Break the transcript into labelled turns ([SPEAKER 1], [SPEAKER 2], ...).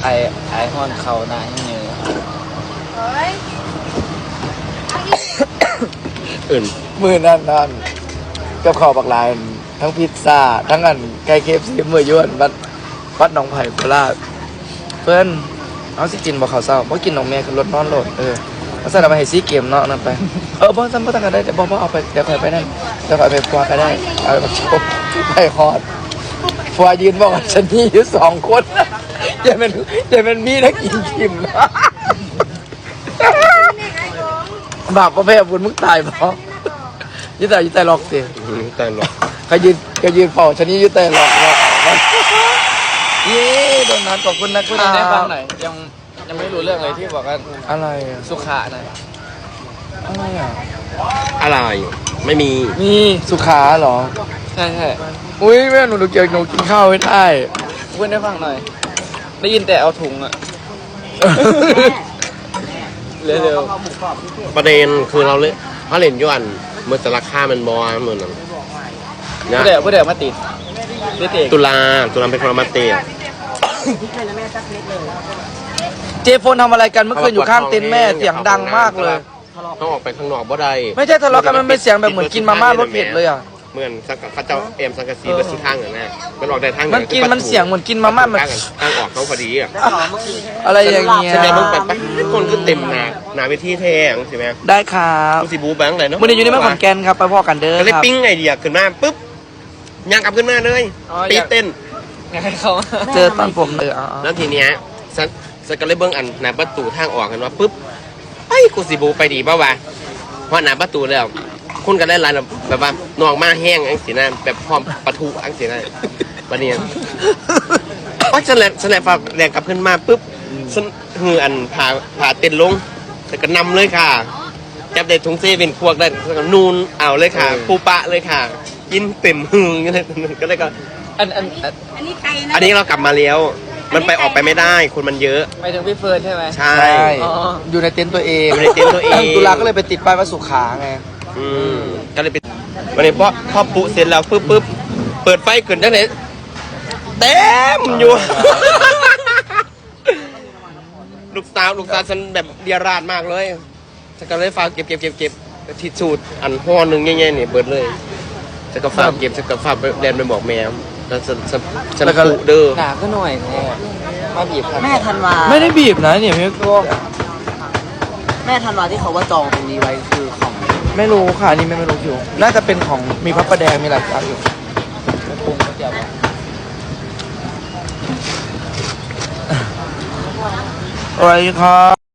[SPEAKER 1] ไอห้อนเข่าหน้าให้เนื้อ
[SPEAKER 2] อื่น
[SPEAKER 3] มือนั่นกับข้าวบักลายทั้งพิซซ่าทั้งอันไก่เคฟซีมือยวนวัดหนองไผ่โคราชเพื่อนเอาสิกินบ่ข้าวเศร้าบ่กินน้องแม่คือรถนอนรถเอาใส่เอาไปให้ซีเกมเนาะนั่นไปบ่ซ้ำบ่ตั้งกันได้แต่บ่เอาไปเดี๋ยวค่อยไปนั่นเดี๋ยวค่อยไปฟัวก็ได้เอาไปชมไปฮอดฟัวยืนบอกว่าฉันมีอยู่2คนอย่าเป็นมีนักกินชิมบาปประเภทบุญมึงตายบ่ยึดแต่หลอกสิ
[SPEAKER 2] แต่หรอก
[SPEAKER 3] ก็ยืนเป่าฉันนี่ยึดแต่หลอกเย้โดนนั้นขอบคุณนะ
[SPEAKER 1] คุณได้ฟังหน่อยยังไม่รู้เรื่องเลยที่บอกว่า
[SPEAKER 3] อะไร
[SPEAKER 1] สุขะนะ
[SPEAKER 3] อะไรอ่ะ
[SPEAKER 2] อะไรไม่มี
[SPEAKER 3] สุขาเหรอ
[SPEAKER 1] ใช่
[SPEAKER 3] อุ้ยแม่หนูเกี่ยวหนูกินข้าวไม่ได้
[SPEAKER 1] คุณได้ฟังหน่อยได้ยินแต่เอาถุงอะเร็ว
[SPEAKER 2] ประเด็นคือเราเล่นย้อนเมื่อแต่ราคามันบอเหมือน
[SPEAKER 1] นะเดี๋ยวมาติด
[SPEAKER 2] ตุลาเป็นคนมาติด
[SPEAKER 3] เจฟนทำอะไรกันเมื่อคืนอยู่ข้างเต็นท์แม่เสียงดังมากเลย
[SPEAKER 2] ต้องออกไปข้างนอกบ่ได้
[SPEAKER 3] ไม่ใช่ทะเลาะกันมันเป็นเสียงแบบเหมือนกินมาม่ารสเผ็ดเลยอ่ะ
[SPEAKER 2] เหมือนเขาเจ้าเอ็มสังกะสีเบอร์ซีข้างอย่างนั้นมันออกได้ทาง
[SPEAKER 3] มันเสียงเหมือนกินมาม่ามัน
[SPEAKER 2] ทางออกเขาพอดีอ่ะ
[SPEAKER 3] อะไรอย่างเงี้ย
[SPEAKER 2] ใช่ไหมมึงไปคนก็เต็มหนาเวทีแท้ใช่ไหม
[SPEAKER 3] ได้ครับ
[SPEAKER 2] กูสิบูแบงค์เลยเนาะ
[SPEAKER 3] มึงอยู่ในเมืองขอนแก่นครับไปพ่อกันเด้อ
[SPEAKER 2] ครับก็เลยปิ้งไอเดียขึ้นมาปุ๊บย่างกลับขึ้นมาเลยตีเต้น
[SPEAKER 1] เขา
[SPEAKER 3] เจอตอนผมเลย
[SPEAKER 2] แล้วทีเนี้ยสักก็เลยเบิ้งอันหน้าประตูทางออกกันว่าปุ๊บไอ้กูสิบูไปดีป่าววะเพราะหน้าประตูแล้วคุณกันได้ร้านแบบว่านองมาแห้งอังสีน้ำแบบพร้อมปะทุอังสีน้ำวันนี้ก็ฉันแหละฝากแรงกลับขึ้นมาปุ๊บฉันหืออันผ่าเต้นลงแต่ก็นำเลยค่ะจับได้ถุงเซเป็นพวกได้นูนเอาเลยค่ะปูปะเลยค่ะกินเต็มหือก็เลยก็
[SPEAKER 1] อัน
[SPEAKER 2] นี้ใครนะอันนี้เรากลับมาแล้วมันไปออกไปไม่ได้คนมันเยอะ
[SPEAKER 1] ไปถึงพี่เฟิร์นใช่ไหม
[SPEAKER 2] ใช่
[SPEAKER 3] อยู่ในเต็นท์ตัวเองตุลาก็เลยไปติดป้ายว่าสุขาไง
[SPEAKER 2] ก็เลยไปวันนี้พอปุเสร็จแล้วปุ๊บเปิดไฟเกินจังไหนเต็มอยู่ลูกสาวฉันแบบเดียราดมากเลยฉันก็เลยฝากเก็บทิชชู่อันห่อหนึ่งง่ายๆนี่เปิดเลยฉันก็ฝากเก็บฉันก็ฝากเดินไปบอกแม่แล้วฉันปุเด้อ
[SPEAKER 1] หนาก็หน่อยมาบีบ
[SPEAKER 4] แม่ธันวา
[SPEAKER 3] ไม่ได้บีบนะเนี่ยพี่ก็
[SPEAKER 4] แม่ธันวาที่เขาว่าจองตรงนี้ไว้คือของ
[SPEAKER 3] ไม่รู้ค่ะนี่ไม่รู้อยู่น่าจะเป็นของมีพระประแดงมีหลายอย่างอยู่อะไรครับ